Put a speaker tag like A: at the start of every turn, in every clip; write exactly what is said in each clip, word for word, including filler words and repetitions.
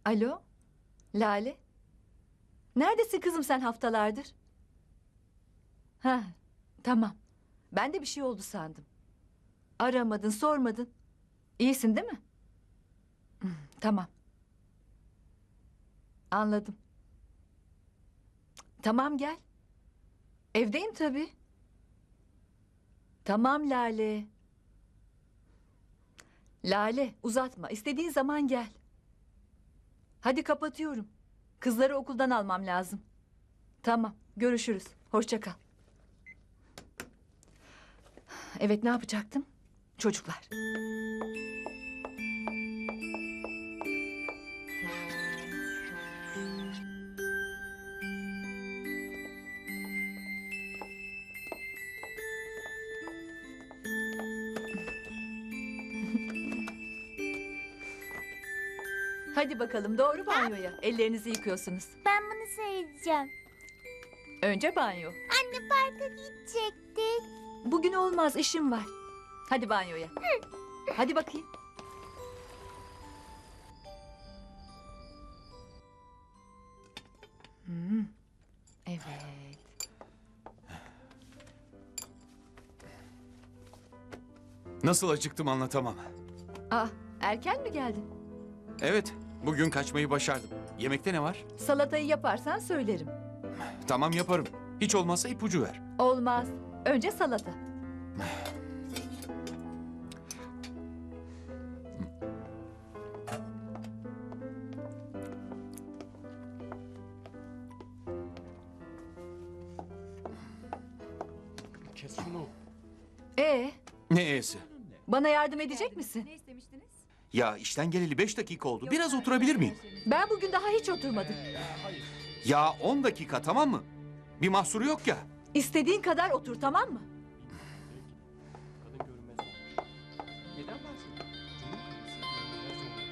A: Alo, Lale. Neredesin kızım sen haftalardır? Ha, tamam. Ben de bir şey oldu sandım. Aramadın, sormadın. İyisin değil mi? Hı, tamam. Anladım. Tamam gel. Evdeyim tabii. Tamam Lale. Lale uzatma. İstediğin zaman gel. Hadi kapatıyorum. Kızları okuldan almam lazım. Tamam, görüşürüz. Hoşça kal. Evet, ne yapacaktım? Çocuklar. Hadi bakalım doğru banyoya. Ellerinizi yıkıyorsunuz.
B: Ben bunu seyredeceğim.
A: Önce banyo.
B: Anne parka gidecektik.
A: Bugün olmaz, işim var. Hadi banyoya. Hadi bakayım. Hmm, evet.
C: Nasıl acıktım anlatamam.
A: Ah, erken mi geldin?
C: Evet, bugün kaçmayı başardım. Yemekte ne var?
A: Salatayı yaparsan söylerim.
C: Tamam yaparım. Hiç olmazsa ipucu ver.
A: Olmaz. Önce salata.
D: Kes şunu.
A: Ee,
C: Ne e'si?
A: bana yardım edecek misin?
E: Ne istemiştiniz?
C: Ya işten geleli beş dakika oldu. Biraz oturabilir miyim?
A: Ben bugün daha hiç oturmadım.
D: Hayır.
C: Ya on dakika tamam mı? Bir mahsuru yok ya.
A: İstediğin kadar otur, tamam mı?
D: Kadın görünmez olmuş. Neden bahsediyorsun? Canım karısı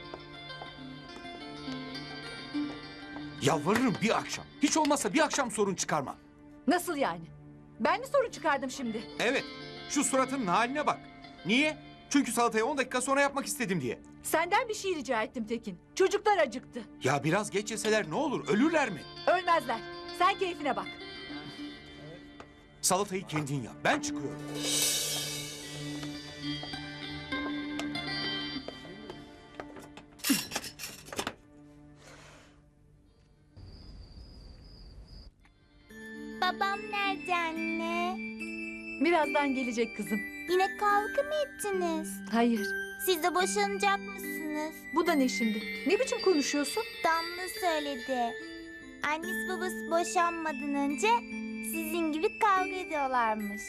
D: görünmez olmuş.
C: Yalvarırım bir akşam. Hiç olmazsa bir akşam sorun çıkarma.
A: Nasıl yani? Ben mi sorun çıkardım şimdi?
C: Evet, şu suratının haline bak. Niye? Çünkü salatayı on dakika sonra yapmak istedim diye.
A: Senden bir şey rica ettim Tekin. Çocuklar acıktı.
C: Ya biraz geç yeseler ne olur? Ölürler mi?
A: Ölmezler. Sen keyfine bak.
C: Salatayı kendin yap. Ben çıkıyorum.
B: Babam nerede anne?
A: Birazdan gelecek kızım.
B: Yine kavga mı ettiniz?
A: Hayır.
B: Siz de boşanacak mısınız?
A: Bu da ne şimdi? Ne biçim konuşuyorsun?
B: Damla söyledi. Annesi babası boşanmadan önce sizin gibi kavga ediyorlarmış.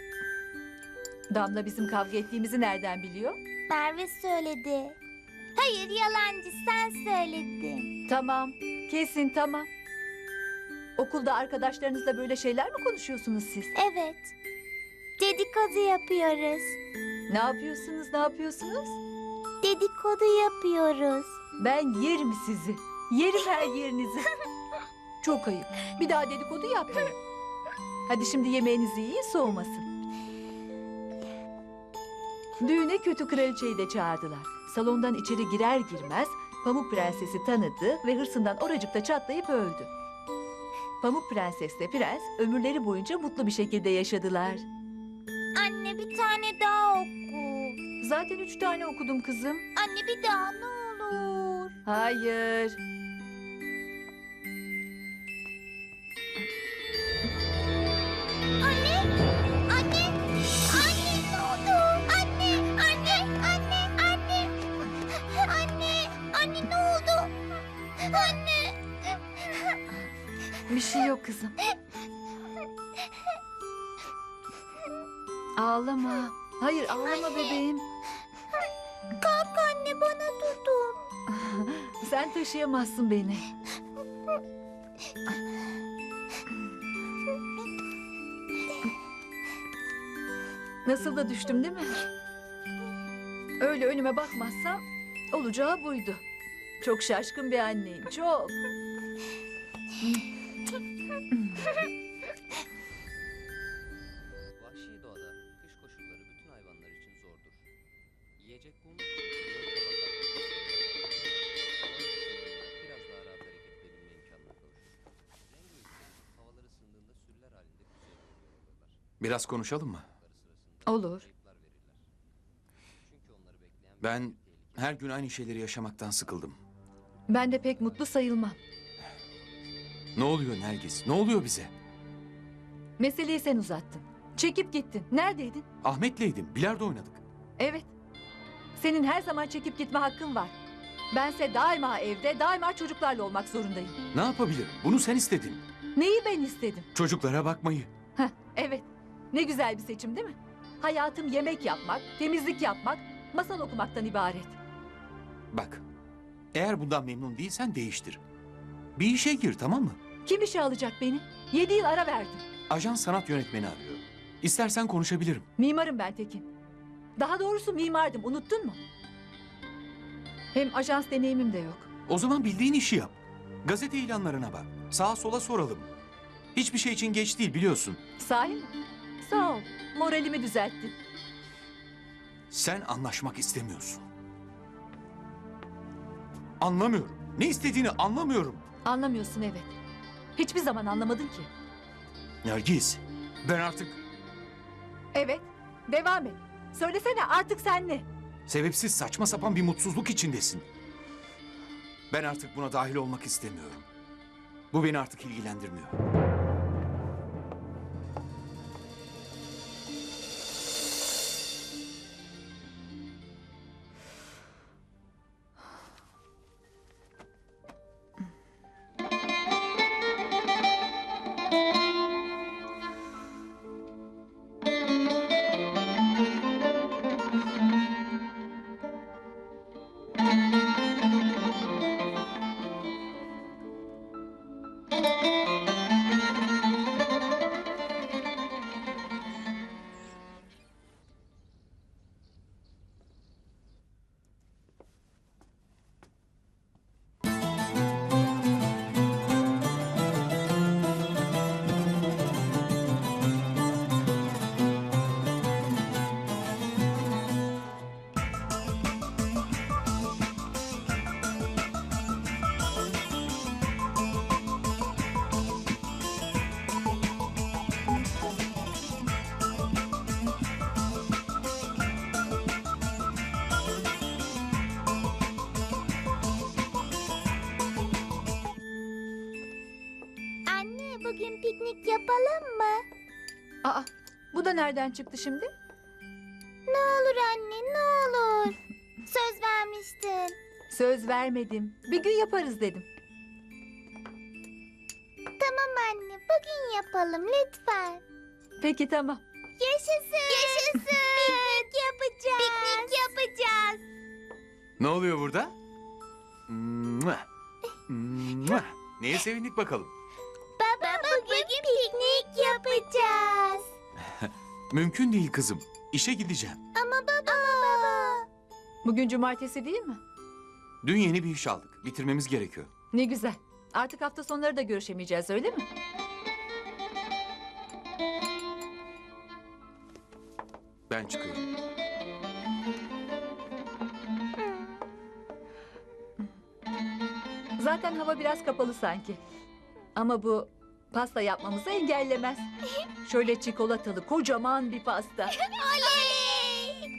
A: Damla bizim kavga ettiğimizi nereden biliyor?
B: Merve söyledi. Hayır yalancı sen söyledin.
A: Tamam. Kesin tamam. Okulda arkadaşlarınızla böyle şeyler mi konuşuyorsunuz siz?
B: Evet. Dedikodu yapıyoruz.
A: Ne yapıyorsunuz, ne yapıyorsunuz?
B: Dedikodu yapıyoruz.
A: Ben yerim sizi. Yerim her yerinizi. Çok ayıp. Bir daha dedikodu yapmayın. Hadi şimdi yemeğinizi yiyin, soğumasın. Düğüne kötü kraliçeyi de çağırdılar. Salondan içeri girer girmez Pamuk Prenses'i tanıdı ve hırsından oracıkta çatlayıp öldü. Pamuk Prensesle Prens ömürleri boyunca mutlu bir şekilde yaşadılar.
B: Anne bir tane daha oku.
A: Zaten üç tane okudum kızım.
B: Anne bir daha ne olur.
A: Hayır.
B: Anne! Anne! Anne ne oldu? Anne! Anne! Anne! Anne! Anne! Anne ne oldu? Anne!
A: Bir şey yok kızım. Ağlama. Hayır ağlama bebeğim.
B: Kalk anne bana tutun.
A: Sen taşıyamazsın beni. Nasıl da düştüm değil mi? Öyle önüme bakmazsam olacağı buydu. Çok şaşkın bir anneyim, çok.
F: Vahşi doğada kış koşulları bütün hayvanlar için zordur. Yiyecek bulmak için yol kat etmek,
C: Biraz konuşalım mı?
A: Olur.
C: Ben her gün aynı şeyleri yaşamaktan sıkıldım.
A: Ben de pek mutlu sayılmam.
C: Ne oluyor Nergis? Ne oluyor bize?
A: Meseleyi sen uzattın. Çekip gittin. Neredeydin?
C: Ahmet'leydim. Bilardo oynadık.
A: Evet. Senin her zaman çekip gitme hakkın var. Bense daima evde, daima çocuklarla olmak zorundayım.
C: Ne yapabilirim? Bunu sen istedin.
A: Neyi ben istedim?
C: Çocuklara bakmayı.
A: Heh, evet. Ne güzel bir seçim değil mi? Hayatım yemek yapmak, temizlik yapmak, masal okumaktan ibaret.
C: Bak. Eğer bundan memnun değilsen değiştir. Bir işe gir, tamam mı?
A: Kim işe alacak beni? Yedi yıl ara verdim.
C: Ajans sanat yönetmeni arıyor. İstersen konuşabilirim.
A: Mimarım ben Tekin. Daha doğrusu mimardım, unuttun mu? Hem ajans deneyimim de yok.
C: O zaman bildiğin işi yap. Gazete ilanlarına bak. Sağa sola soralım. Hiçbir şey için geç değil, biliyorsun.
A: Sahi mi? Sağ ol, moralimi düzelttin.
C: Sen anlaşmak istemiyorsun. Anlamıyorum. Ne istediğini anlamıyorum.
A: Anlamıyorsun evet. Hiçbir zaman anlamadın ki.
C: Nergis, ben artık
A: Evet, devam et. Söylesene artık sen ne?
C: sebepsiz saçma sapan bir mutsuzluk içindesin. Ben artık buna dahil olmak istemiyorum. Bu beni artık ilgilendirmiyor.
B: Anne bugün piknik yapalım mı?
A: Aa, bu da nereden çıktı şimdi?
B: Ne olur anne ne olur. Söz vermiştin.
A: Söz vermedim. Bir gün yaparız dedim.
B: Tamam anne bugün yapalım lütfen.
A: Peki tamam.
B: Yaşasın. Yaşasın. Piknik yapacağız. Piknik yapacağız.
C: Ne oluyor burada? Mua. Mua. Neye sevindik bakalım?
B: Baba, bugün, piknik yapacağız.
C: Mümkün değil kızım. İşe gideceğim.
B: Ama baba. Ama baba.
A: Bugün cumartesi değil mi?
C: Dün yeni bir iş aldık. Bitirmemiz gerekiyor.
A: Ne güzel. Artık hafta sonları da görüşemeyeceğiz öyle mi?
C: Ben çıkıyorum.
A: Zaten hava biraz kapalı sanki. Ama bu pasta yapmamızı engellemez. Şöyle çikolatalı kocaman bir pasta.
B: Oley.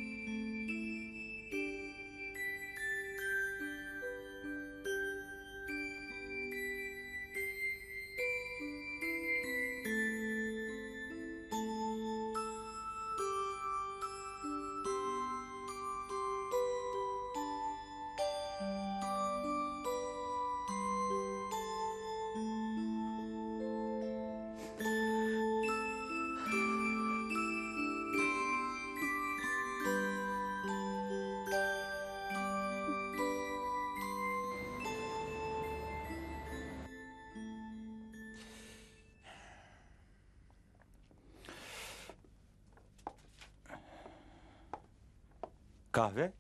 E: Kahve?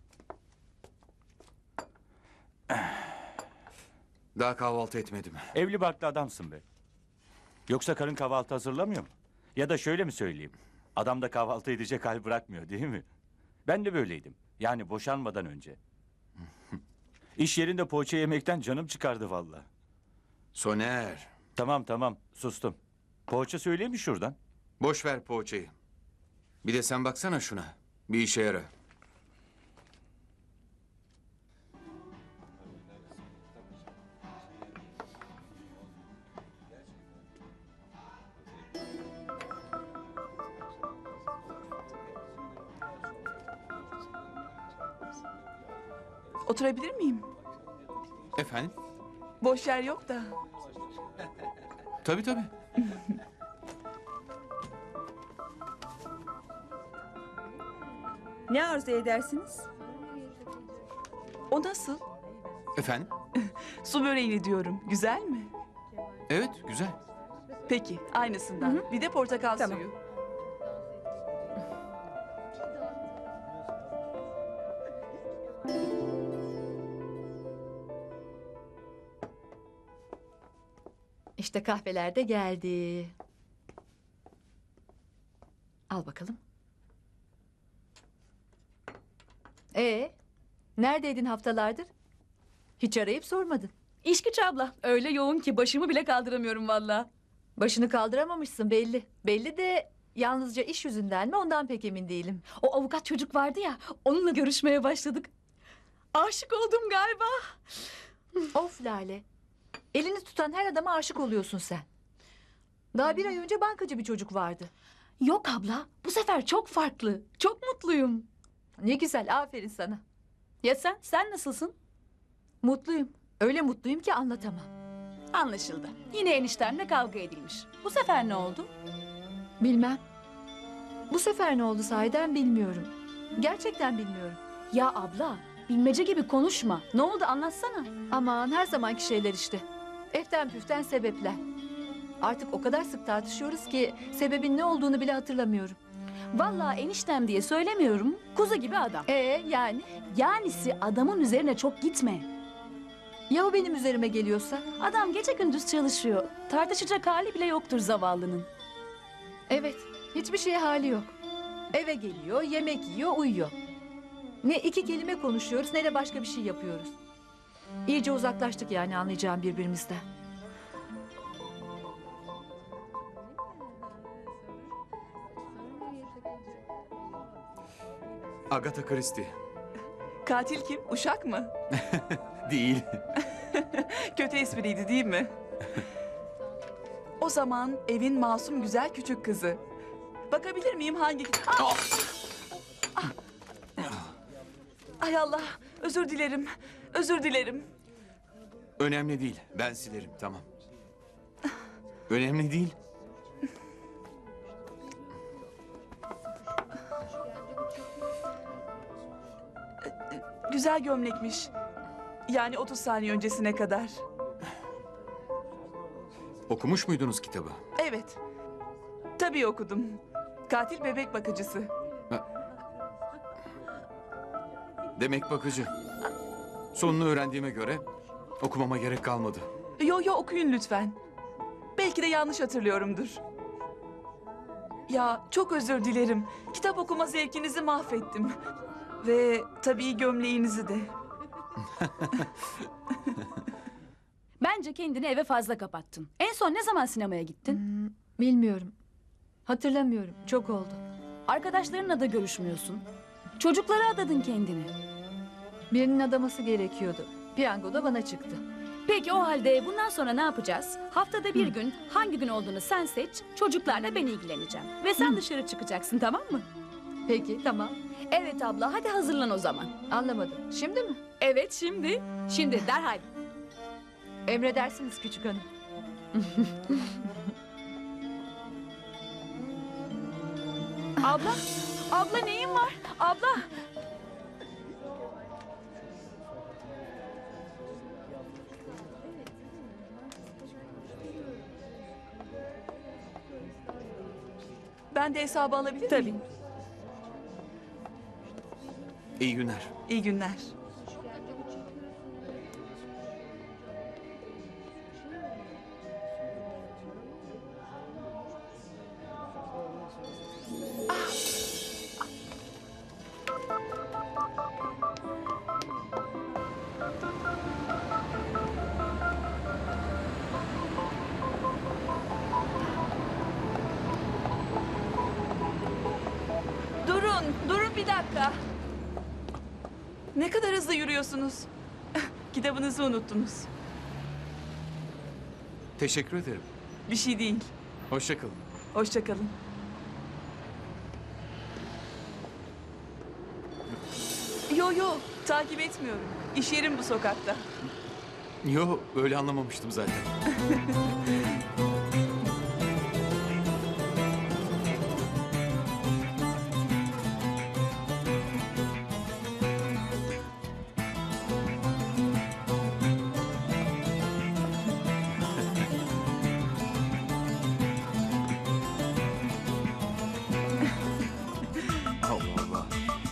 C: Daha kahvaltı etmedim.
E: Evli barklı adamsın be. Yoksa karın kahvaltı hazırlamıyor mu? Ya da şöyle mi söyleyeyim? Adam da kahvaltı edecek hal bırakmıyor değil mi? Ben de böyleydim. Yani boşanmadan önce. İş yerinde poğaça yemekten canım çıkardı vallahi.
C: Soner.
E: Tamam tamam sustum. Poğaça söyleyeyim mi şuradan?
C: Boş ver poğaçayı. Bir de sen baksana şuna. Bir işe yara.
G: Oturabilir miyim?
C: Efendim?
G: Boş yer yok da.
C: Tabii tabii.
H: Ne arzu edersiniz?
G: O nasıl?
C: Efendim?
G: Su böreğini diyorum. Güzel mi?
C: Evet, güzel.
G: Peki, aynısından. Bir de portakal
H: Tamam.
G: suyu.
A: İşte kahveler de geldi. Al bakalım. Ee, neredeydin haftalardır? Hiç arayıp sormadın.
H: İş güç abla. Öyle yoğun ki başımı bile kaldıramıyorum valla.
A: Başını kaldıramamışsın belli. Belli de yalnızca iş yüzünden mi ondan pek emin değilim.
H: O avukat çocuk vardı ya, onunla görüşmeye başladık. Aşık oldum galiba.
A: Of Lale. Elini tutan her adama aşık oluyorsun sen. Daha bir ay önce bankacı bir çocuk vardı.
H: Yok abla, bu sefer çok farklı. Çok mutluyum.
A: Ne güzel, aferin sana.
H: Ya sen, sen nasılsın?
A: Mutluyum. Öyle mutluyum ki anlatamam.
H: Anlaşıldı. Yine eniştenle kavga edilmiş. Bu sefer ne oldu?
A: Bilmem. Bu sefer ne oldu sahiden bilmiyorum. Gerçekten bilmiyorum.
H: Ya abla, bilmece gibi konuşma. Ne oldu anlatsana.
A: Aman her zamanki şeyler işte. Eften püften sebepler. Artık o kadar sık tartışıyoruz ki sebebin ne olduğunu bile hatırlamıyorum.
H: Vallahi eniştem diye söylemiyorum. Kuzu gibi adam.
A: Ee yani?
H: Yanisi adamın üzerine çok gitme.
A: Ya o benim üzerime geliyorsa?
H: Adam gece gündüz çalışıyor. Tartışacak hali bile yoktur zavallının.
A: Evet, hiçbir şeye hali yok. Eve geliyor, yemek yiyor, uyuyor. Ne iki kelime konuşuyoruz ne de başka bir şey yapıyoruz. İyice uzaklaştık yani anlayacağım birbirimizden.
C: Agatha Christie.
G: Katil kim? Uşak mı?
C: Değil.
G: Kötü espriydi değil mi? O zaman evin masum güzel küçük kızı. Bakabilir miyim hangi... Ah! Ah! Ay Allah, özür dilerim. Özür dilerim.
C: Önemli değil. Ben silerim, tamam. Önemli değil.
G: Güzel gömlekmiş. Yani otuz saniye öncesine kadar.
C: Okumuş muydunuz kitabı?
G: Evet. Tabii okudum. Katil bebek bakıcısı.
C: Demek bakıcı. Sonunu öğrendiğime göre okumama gerek kalmadı.
G: Yo yo okuyun lütfen. Belki de yanlış hatırlıyorumdur. Ya çok özür dilerim. Kitap okuma zevkinizi mahvettim. Ve tabii gömleğinizi de.
H: Bence kendini eve fazla kapattın. En son ne zaman sinemaya gittin?
A: Hmm, bilmiyorum. Hatırlamıyorum. Çok oldu.
H: Arkadaşlarınla da görüşmüyorsun. Çocuklara adadın kendini.
A: Birinin adaması gerekiyordu. Piyango da bana çıktı.
H: Peki o halde bundan sonra ne yapacağız? Haftada bir gün hangi gün olduğunu sen seç, çocuklarla ben ilgileneceğim. Ve sen dışarı çıkacaksın, tamam mı?
A: Peki tamam.
H: Evet abla, hadi hazırlan o zaman.
A: Anlamadım. Şimdi mi?
H: Evet, şimdi. Şimdi derhal.
A: Emredersiniz küçük hanım.
H: Abla, abla neyin var? Abla.
G: Ben de hesabı alabilir
H: Tabii.
G: miyim?
C: İyi günler.
G: İyi günler. dakika. Ne kadar hızlı yürüyorsunuz. Kitabınızı unuttunuz.
C: Teşekkür ederim.
G: Bir şey değil.
C: Hoşça kalın.
G: Hoşça kalın. Yo yo, takip etmiyorum. İş yerim bu sokakta.
C: Yo, öyle anlamamıştım zaten. Allah Allah.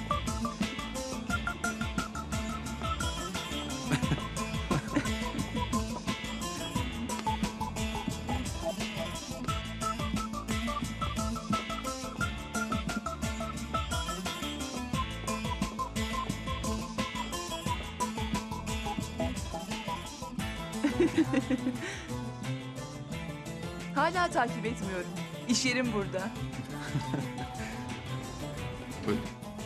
G: Hala takip etmiyorum. İş yerim burada.
C: Buyurun.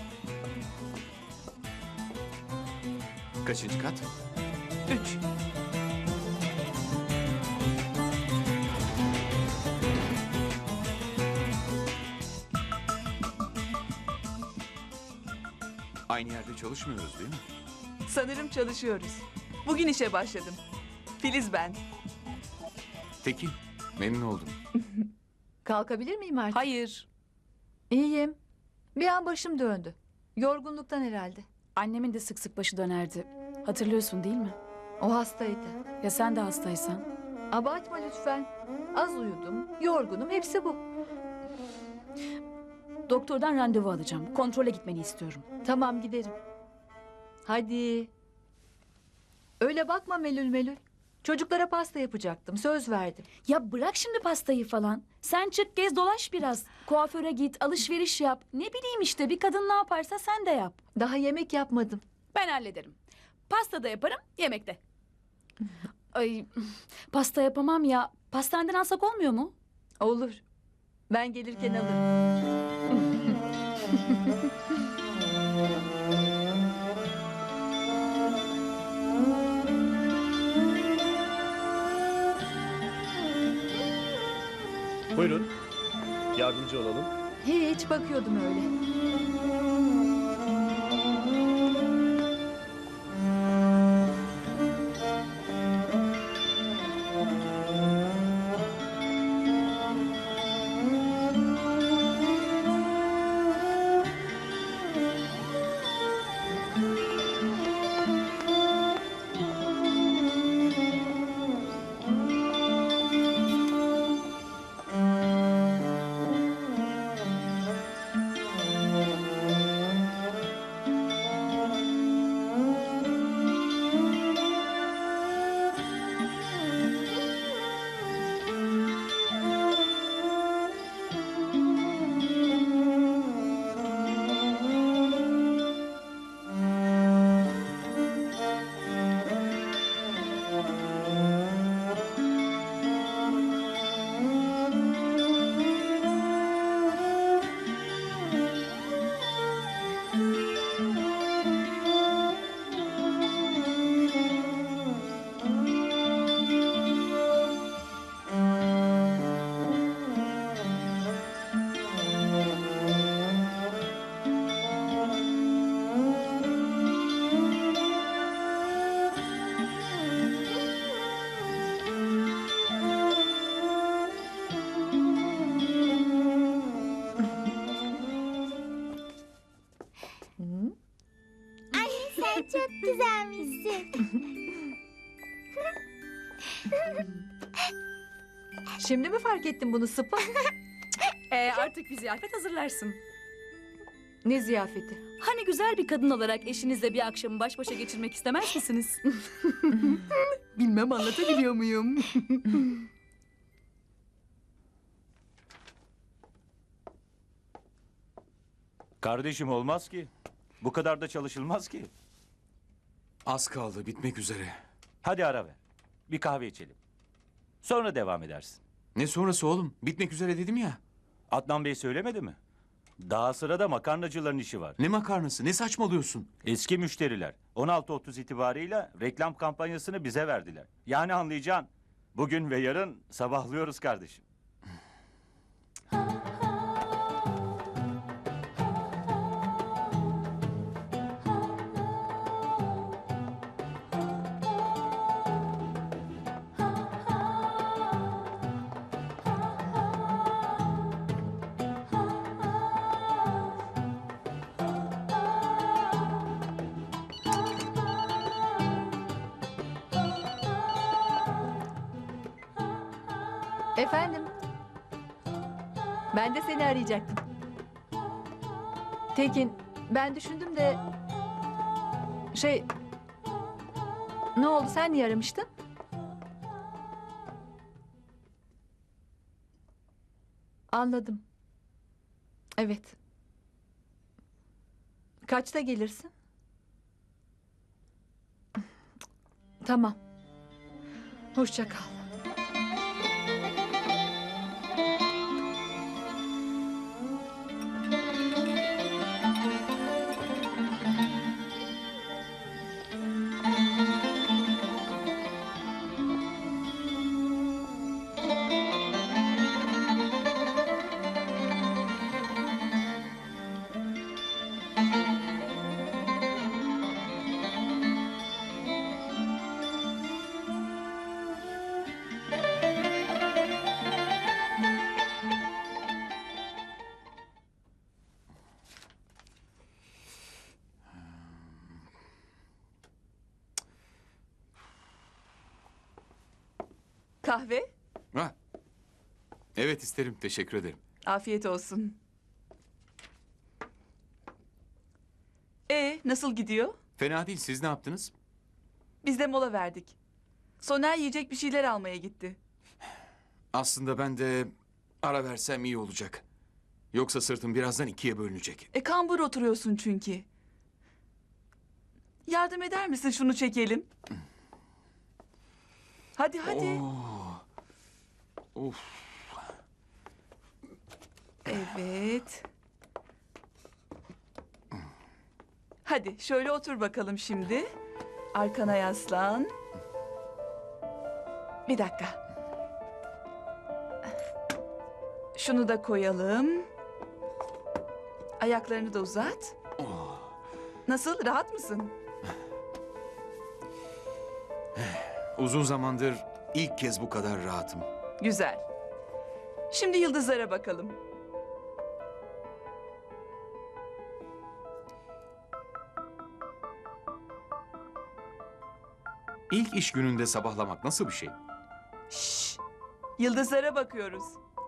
C: Kaçıncı kat?
G: Üç.
C: Aynı yerde çalışmıyoruz değil mi?
G: Sanırım çalışıyoruz. Bugün işe başladım. Filiz ben.
C: Tekin, memnun oldum.
A: Kalkabilir miyim artık?
H: Hayır.
A: İyiyim. Bir an başım döndü. Yorgunluktan herhalde.
H: Annemin de sık sık başı dönerdi. Hatırlıyorsun değil mi?
A: O hastaydı.
H: Ya sen de hastaysan?
A: Abartma lütfen. Az uyudum, yorgunum, hepsi bu.
H: Doktordan randevu alacağım. Kontrole gitmeni istiyorum.
A: Tamam giderim. Hadi. Öyle bakma Melül Melül. Çocuklara pasta yapacaktım, söz verdim.
H: Ya bırak şimdi pastayı falan. Sen çık gez dolaş biraz. Kuaföre git, alışveriş yap. Ne bileyim işte bir kadın ne yaparsa sen de yap.
A: Daha yemek yapmadım.
H: Ben hallederim. Pasta da yaparım, yemek de. Ay, pasta yapamam ya. Pastaneden alsak olmuyor mu?
A: Olur. Ben gelirken alırım.
D: Buyurun. Yardımcı olalım.
A: Hiç bakıyordum öyle.
B: Sen çok güzelmişsin.
A: Şimdi mi fark ettin bunu Sıpa?
H: Ee, artık bir ziyafet hazırlarsın.
A: Ne ziyafeti?
H: Hani güzel bir kadın olarak eşinizle bir akşamı baş başa geçirmek istemez misiniz? Bilmem anlatabiliyor muyum?
E: Kardeşim olmaz ki. Bu kadar da çalışılmaz ki.
C: Az kaldı, bitmek üzere.
E: Hadi ara ver. Bir kahve içelim. Sonra devam edersin.
C: Ne sonrası oğlum? Bitmek üzere dedim ya.
E: Adnan Bey söylemedi mi? Daha sırada makarnacıların işi var.
C: Ne makarnası? Ne saçmalıyorsun?
E: Eski müşteriler on altı otuz itibarıyla reklam kampanyasını bize verdiler. Yani anlayacağın bugün ve yarın sabahlıyoruz kardeşim.
A: Efendim? Ben de seni arayacaktım. Tekin, ben düşündüm de... Şey... Ne oldu, sen niye aramıştın? Anladım. Evet. Kaçta gelirsin? Tamam. Hoşça kal.
G: Kahve?
C: Ha. Evet isterim. Teşekkür ederim.
G: Afiyet olsun. E nasıl gidiyor?
C: Fena değil. Siz ne yaptınız?
G: Biz de mola verdik. Soner yiyecek bir şeyler almaya gitti.
C: Aslında ben de ara versem iyi olacak. Yoksa sırtım birazdan ikiye bölünecek.
G: E kambur oturuyorsun çünkü. Yardım eder misin, şunu çekelim? Hadi hadi.
C: Of.
G: Evet. Hadi şöyle otur bakalım şimdi. Arkana yaslan. Bir dakika. Şunu da koyalım. Ayaklarını da uzat. Nasıl, rahat mısın?
C: Uzun zamandır ilk kez bu kadar rahatım.
G: Güzel. Şimdi yıldızlara bakalım.
C: İlk iş gününde sabahlamak nasıl bir şey?
G: Şşş. Yıldızlara bakıyoruz.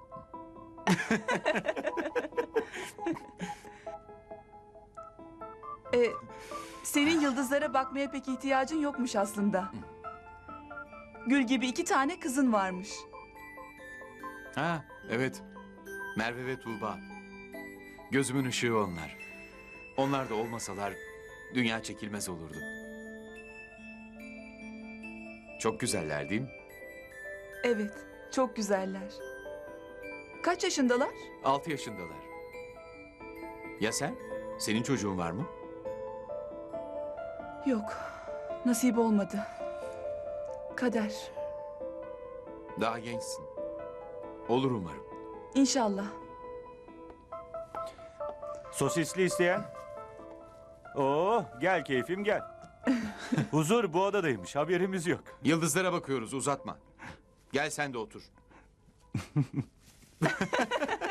G: Ee, senin yıldızlara bakmaya pek ihtiyacın yokmuş aslında. Gül gibi iki tane kızın varmış.
C: Ha, evet. Merve ve Tuğba. Gözümün ışığı onlar. Onlar da olmasalar dünya çekilmez olurdu. Çok güzeller değil mi?
G: Evet, çok güzeller. Kaç yaşındalar?
C: Altı yaşındalar. Ya sen? Senin çocuğun var mı?
G: Yok, nasip olmadı. Kader.
C: Daha gençsin. Olur umarım.
G: İnşallah.
E: Sosisli isteyen? Oo, gel keyfim gel. Huzur bu odadaymış, haberimiz yok.
C: Yıldızlara bakıyoruz, uzatma. Gel sen de otur.